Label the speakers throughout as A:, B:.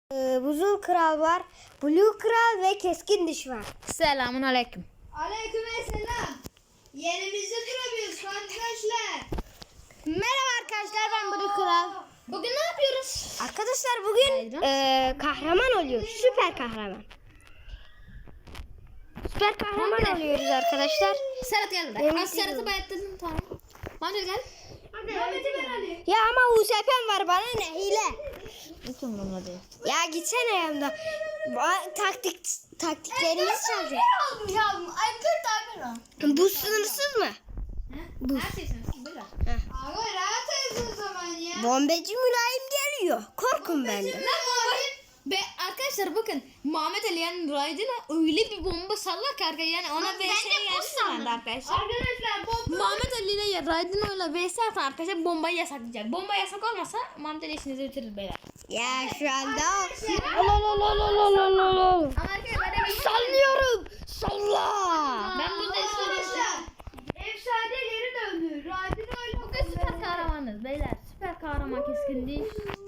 A: Buzul Kral var. Blue Kral ve Keskin Diş var.
B: Selamun aleyküm.
C: Aleykümselam. Yerimizde duramıyoruz arkadaşlar.
A: Merhaba arkadaşlar, ben Blue Kral.
B: Bugün ne yapıyoruz?
A: Arkadaşlar bugün kahraman oluyoruz. Süper kahraman. Süper kahraman oluyoruz arkadaşlar.
B: Serhat geldi.
A: Evet,
B: Az Serhat'ı bayatladın, tamam. Mahmut gel.
C: Mehmet'i ben Ali.
A: Ya ama USP'm var, bana ne hile.
B: Hiç umurumda değil.
A: Ya gitsene yanımda. Taktiklerimiz çalacak.
C: Almış almış. Ay 40 tane.
A: Bu sınırsız mı?
B: Bu. Her şey sensin. Buyur.
C: Abi rahat olsun o zaman ya.
A: Bombeci mülayim geliyor. Korkun benden.
C: Lan abi.
B: Be arkadaşlar bakın, Muhammed Ali yani Raydın'a öyle bir bomba sallar ki arkadaşlar, yani ona VS gelsin arkadaşlar.
C: Arkadaşlar bomba.
B: Muhammed Ali ile Raydın'la VS atan arkadaşlar bombayı yasaklayacak. Bomba yasak olmasa Muhammed Ali işinizi bitirir beyler.
A: Ya şu anda
B: Ama arkadaşlar ben
A: sallıyorum. Salla.
B: Ben burada
C: Arkadaşlar. Efsane geri döndü. Radin öyle.
B: bugün süper kahramanız beyler. Süper kahraman keskin değil.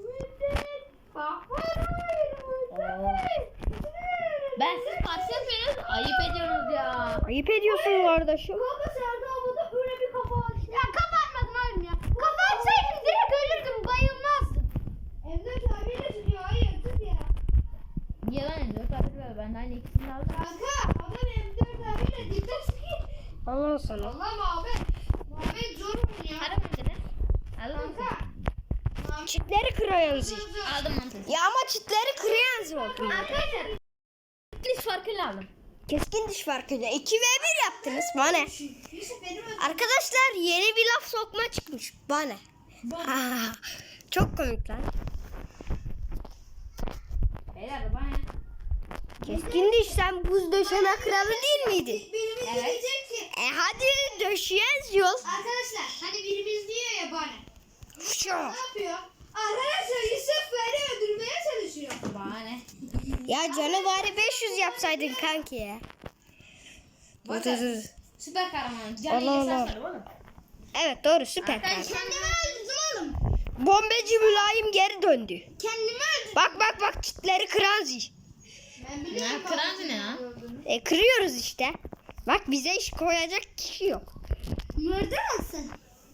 B: Ben siz karşı yapıyorsunuz, ayıp ediyorsunuz ya.
A: Ayıp ediyorsun kardeşim.
C: Kanka Serda abla öyle bir kafa açtı. Ya kafa atmadın oğlum ya. Kafa atsaydın direkt ölürdüm, bayılmazdım. Emre abiyle çıkıyor, hayır tut ya.
B: Yalan ediyor kardeşler, ben de aynı ikisini de aldım.
C: Kanka adam M4 abiyle dikkat çıkıyor.
A: Allah sana.
C: Allah Muhammed. Muhammed zor mu ya?
B: Hadi Muhammed. Aldım
C: Kanka.
A: Çitleri kırıyorsunuz.
B: Aldım Muhammed.
A: Ya ama çitleri kırıyorsunuz oldum.
B: Arkadaşlar diş farkıyla aldım.
A: Keskin diş farkıyla 2 ve 1 yaptınız. Bana ne?
C: Yusuf benim ödüm.
A: Arkadaşlar yeni bir laf sokma çıkmış. Bana ne? Ha, çok komik lan.
B: Beyler bana.
A: Keskin diş, sen buz döşeme kralı değil miydin?
C: Birimiz
B: Evet.
C: diyecek ki.
A: Hadi döşeyeniz yol.
C: Arkadaşlar hani birimiz diyor ya bana.
A: Şu.
C: Ne yapıyor? Arkadaşlar Yusuf beni öldürmeye çalışıyor.
B: Bana ne?
A: Ya canı bari 500 yapsaydın kanki ya.
B: Bakın. Süper kahraman. Canı
A: Allah Allah.
B: yasaklarım oğlum.
A: Evet doğru, süper
B: Arkadaşlar
A: kahraman.
C: Kendimi öldürdüm oğlum.
A: Bombeci mülayim geri döndü.
C: Kendimi öldürdüm.
A: Bak çitleri kıranzi.
C: Ben biliyorum.
B: Ne, kırancı ne ya?
A: Kırıyoruz işte. Bak bize iş koyacak kişi yok.
C: Nerede mısın?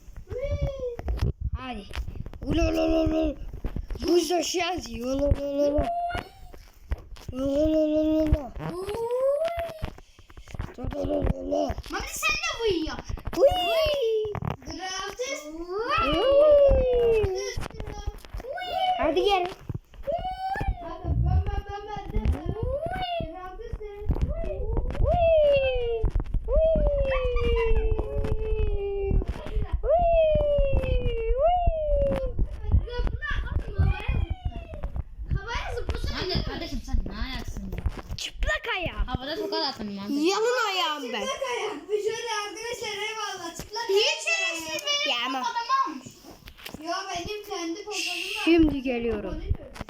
A: Hadi. Ulolololol. Buz döşeyenzi. Ulolololol. Ulolololol. Ulolololol.
C: Mami sen de uyuyor.
A: Uy.
C: Gratis.
A: Uy. Hadi gel.
C: Hadi ben de. Gratis de. Havaya zıplasana.
B: Hadi kardeşim sen ne ayaksın ya?
A: Çıplak ayağım.
B: Havada tokat attın Muhammed.
A: Yalın ayağım ben.
C: Çıplak ayak. Bir şöyle arkadaşlar eyvallah. Çıplak ayak. Hiç öyle benim
A: Ya ama.
C: adamı almış. Ya benim kendi popolarım var.
A: Şimdi geliyorum.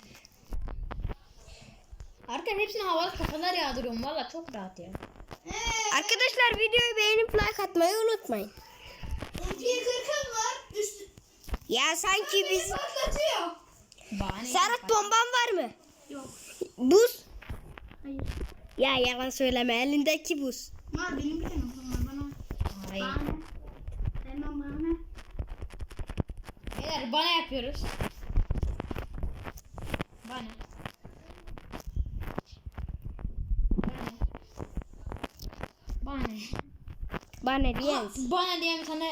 B: Arkadaşlar hepsine havalı kafalar yağdırıyorum. Valla çok rahat ya.
A: Arkadaşlar videoyu beğenip like atmayı unutmayın.
C: Bir kırkım var. Üstü.
A: Ya sanki biz...
C: Patlatıyor.
B: Bana ne?
A: Serhat bomban var mı?
C: Yok.
A: Buz.
C: Hayır.
A: Ya yalan söyleme, elindeki buz.
C: Var benim bir tane var bana.
B: Hayır.
C: Bana. Hemen bana.
B: Beyler bana yapıyoruz. Bana. Bana.
A: Bana diyen.
B: Bana diye bir tane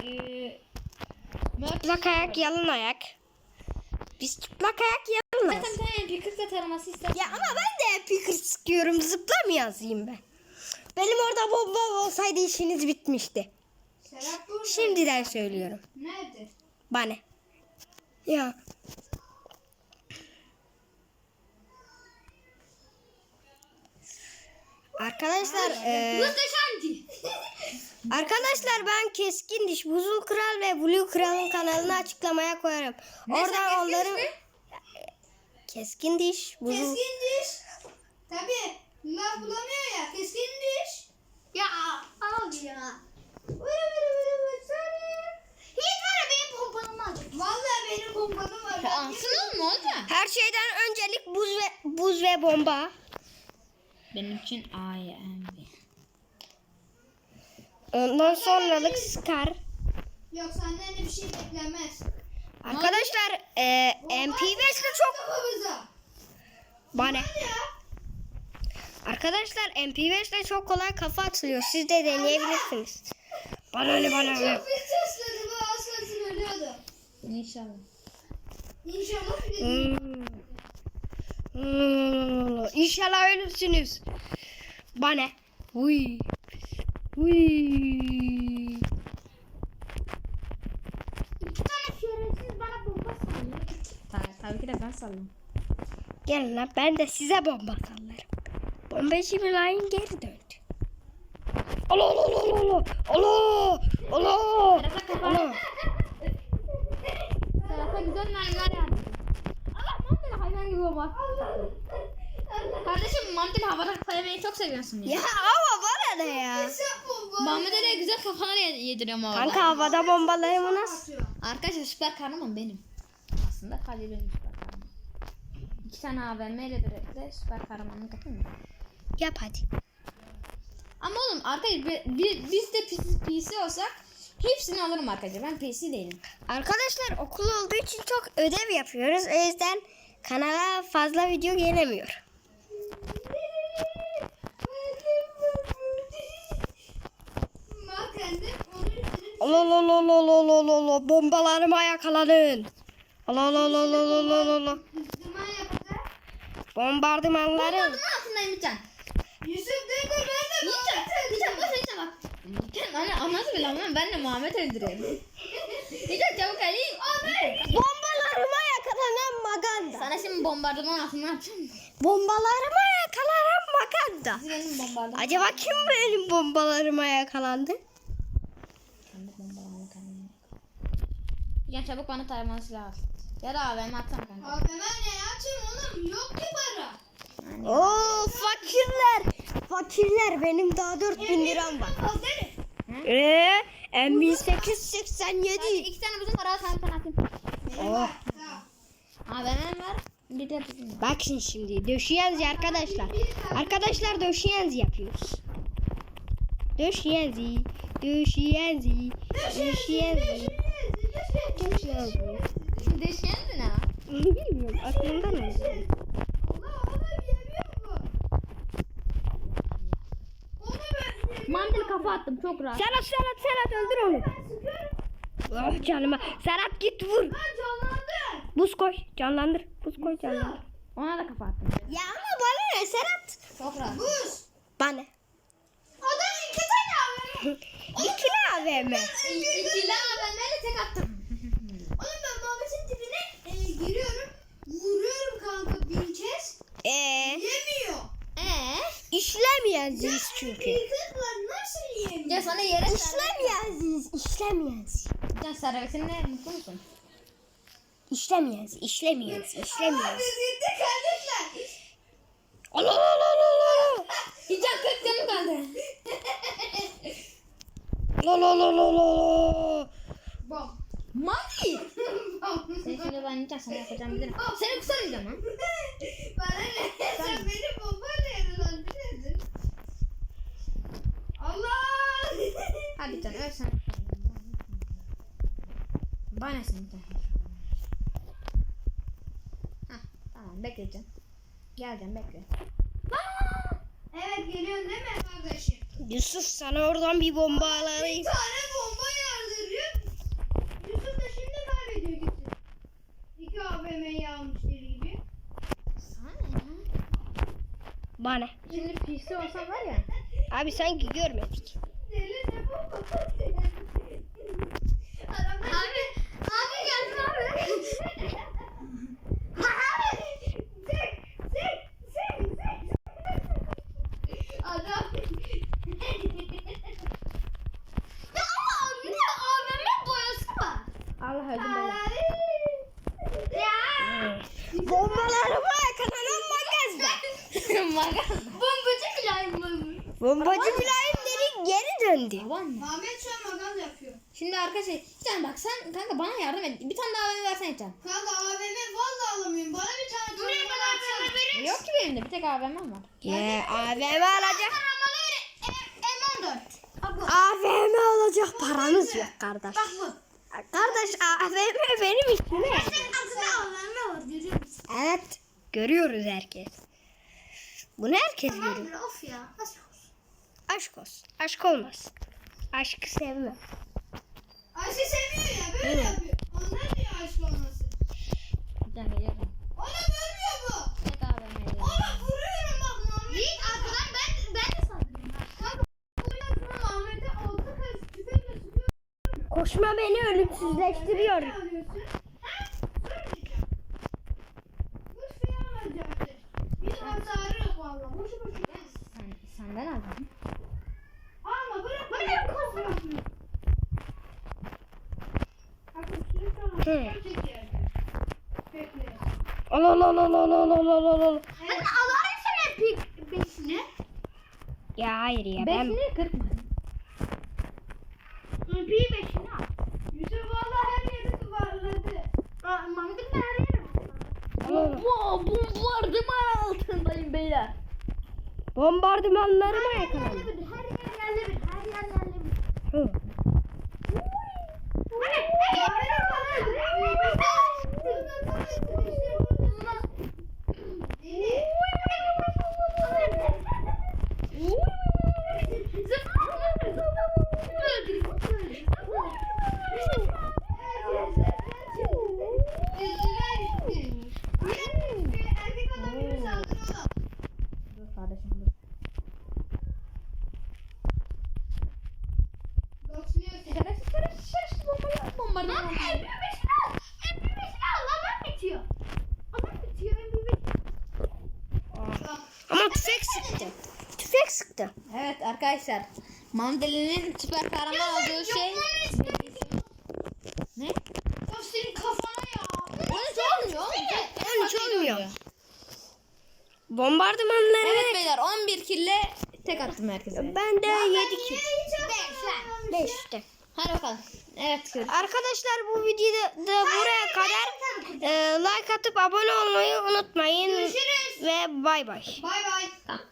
A: Çıplak ayak, yalın ayak. Biz çıplak ayak yalınız.
B: zaten bir tane MP40 taraması istersen.
A: Ya ama ben de picker sıkıyorum, zıpla mı yazayım ben? Benim orada bomba olsaydı işiniz bitmişti.
C: Serap burada.
A: Şimdiden söylüyorum.
C: Nerede?
A: Bana. Ya. Arkadaşlar
C: Muhteşemdi.
A: arkadaşlar ben Keskin Diş, Buzul Kral ve Blue Kral'ın kanalını açıklamaya koyarım. Oradan onların Keskin Diş, Buzul
C: Keskin diş. Tabii. Bunlar bulamıyor ya. Keskin diş. Ya al ya. Hiç var ya benim pompanımı alacak. Vallahi benim pompanım var.
B: Alsın oğlum ne olacak?
A: Her şeyden öncelik buz ve bomba.
B: Benim için AYMB.
A: Ondan sonralık Scar.
C: Yok senden de bir şey beklenmez.
A: Arkadaşlar MP5'le çok
C: Kafamıza.
A: bana.
C: Ya.
A: Arkadaşlar MP5'le çok kolay kafa atılıyor. Siz de deneyebilirsiniz. Bana ne.
C: Çok pis sesledi bu aslasın ölüyordu.
B: İnşallah.
C: İnşallah bir de
A: İnşallah ölürsünüz. Bana. Uy.
C: İki tane şerefsiz bana bomba sallıyor.
B: Tabii ki de ben sallam.
A: Gelin lan ben de size bomba sallarım. Bombacı Mülayim geri döndü. Allah.
B: Serhat'a güzel mermiler yağdı. Allah Mamdel hayvan gibi olmak. Kardeşim Mamdel havada kafa yemeyi çok seviyorsun ya.
A: Ya ama bana ne ya?
B: Muhammed Ali'ye güzel kafalar yediriyorum havada.
A: Kanka havada bombalarımı nasıl?
B: Arkadaşlar süper kahraman benim. Aslında Halil benim süper kahraman. 2 tane AVM ile birlikte süper kahramanlık yapayım mı?
A: Yap hadi.
B: Ama oğlum arkadaşlar biz de PC olsak hepsini alırım arkadaşlar. Ben PC değilim.
A: Arkadaşlar okul olduğu için çok ödev yapıyoruz. O yüzden kanala fazla video gelemiyor. Allah bombalarıma yakaladın. Allah. Bombardımanları.
B: Bombardıman altındayım Yiğitcan.
C: Yusuf dur ben de
B: Yiğitcan boş ver Yiğitcan bak. Yiğitcan anlat bile ama ben de Muhammed öldürüyorum. Yiğitcan çabuk alayım.
A: Bombalarıma yakalanan Maganda.
B: Sana şimdi bombardıman altına yapacağım.
A: Bombalarıma yakalanan Maganda.
B: Siz benim bombardıman.
A: Acaba kim benim bombalarıma yakalandı?
B: Ben de bombardıman kendime. Yiğitcan çabuk bana taramalı silah al. Ya da AVM atsana kanka.
C: Abi ben ne açayım oğlum yok ki para.
A: Oo fakirler benim daha 4000 liram var. M1887.
B: 2 tane bizim para sana atayım.
A: Oh.
B: AVM var. Bir de bizim.
A: Bakın şimdi döşeyenzi arkadaşlar. Arkadaşlar döşeyenzi yapıyoruz. Döşeyenzi.
B: Deşen mi ne?
A: Bilmiyorum aklımdan öyle.
B: Mandil kafa attım çok rahat.
A: Serhat öldür onu. Oh canıma. Serhat git vur. Buz koy canlandır.
B: Ona da kafa attım.
A: Ya ama bana ne Serhat?
B: Çok rahat.
A: Bana.
C: Adam 2 tane abi.
A: İkili AVM.
B: İkili AVM'yle tek attım.
C: Oğlum ben Muhammed'in dibine giriyorum. Vuruyorum kanka 1000 kez. Yemiyor.
A: İşlemeyenziyiz çünkü.
C: Kırıklık var nasıl yemiyor?
B: Ya sana yere
A: İşlemeyenziyiz.
B: Sen servisinde mutlu musun?
A: İşlemeyenziz.
C: Biz gittik kardeşler.
A: Allah.
B: Hiç 40 canım kaldı.
C: Bam.
B: Mami.
C: Bam.
B: Sen şimdi ben nikah sana yapacağım bilirim. Seni kusarmayacağım ha.
C: Bana ne? Sen beni bombayla yaralan bilirdin. Allah.
B: Hadi can öl sen. Bana seni de. Hah tamam bekleyeceğim. Geleceğim bekle.
C: Evet geliyorsun değil mi kardeşim?
A: Yusuf sana oradan bir bomba
C: Bir
A: alayım.
C: tane bomba yardırıyor. Yusuf da şimdi kaybediyor gitti. 2 AVM'yi almış deli gibi.
B: Sana ne ya?
A: Bana.
B: Şimdi PC olsam var ya.
A: Abi sanki görmedik.
C: Deli ne bomba? Abi geldim abi. Adam. Ya ama ne AVM boyası var.
B: Allah öldüm ben.
C: Ya.
A: Bombalarıma yakalanan Maganda.
C: Bombacı Mülayim mı?
A: Bombacı Mülayim geri döndü.
B: Baban mı?
C: Ahmet şu an magaz yapıyor.
B: Şimdi arkadaşlar Can bak sen kanka bana yardım et. Bir tane daha AVM versene Can.
C: Kanka AVM valla alamıyorum. Bana bir tane buraya kadar AVM verir.
B: Yok ki benim de bir tek AVM'm var.
A: AVM alacak.
C: M14.
A: AVM alacak paramız yok kardeş.
C: Bak bu.
A: Kardeş AVM benim işime.
C: Senin altında AVM var görüyor musun?
A: Evet. Görüyoruz herkes. Bunu herkes görüyor.
C: Tamam of ya. Nasıl olsun?
A: Aşk olsun. Aşk olmaz. Aşkı sevmem.
C: Ayşe seviyor ya böyle yapıyor. Ondan diyor aşk olması.
B: Can geliyorum.
C: Onu görmüyor bu.
B: Tek AVM'ye geliyorum.
C: Onu vuruyorum bak Muhammed. Yiğit arkadan ben de saldırıyorum. Kanka vuruyorum Muhammed'e oldu kız tüfekle sıkıyor.
A: Koşma beni ölümsüzleştiriyor.
C: Ne alıyorsun? Ha? Sormayacağım. Bu suyu alacaktır. Bir hasarı yok valla. Boşu boşu.
B: Senden aldım.
C: Alma bırak. Bırak kızım. Kanka suyu sana çeker. Bekle.
A: Al al al al al al al al al al.
C: Ben alayım sana beşini.
A: Ya hayır ya ben.
B: Bekini kırpma.
C: Bir beşini al. Yusuf valla her yeri duvarladı. Mahmut'un da her yeri var.
B: Bombardıman altındayım beyler.
A: Bombardımanlarıma yakalandım.
C: Her yerle bir. Her yerle bir.
A: Hı.
B: Dur kardeşim dur. Bombardıman.
A: Ama tüfek sıktı. Tüfek sıktı.
B: Evet arkadaşlar. Mandalinin süper kahraman olduğu şey. Ne?
C: Senin kafana ya.
B: 13 olmuyor.
A: 13 olmuyor. Bombardımanları
B: Evet beyler 11 kille tek attım herkese.
A: ben de 7 kill. 5 işte.
B: Hadi bakalım. Evet görüşürüz.
A: Arkadaşlar bu videoda da buraya kadar like atıp abone olmayı unutmayın.
C: Görüşürüz.
A: Ve bay bay.
C: Bay bay.
B: Tamam.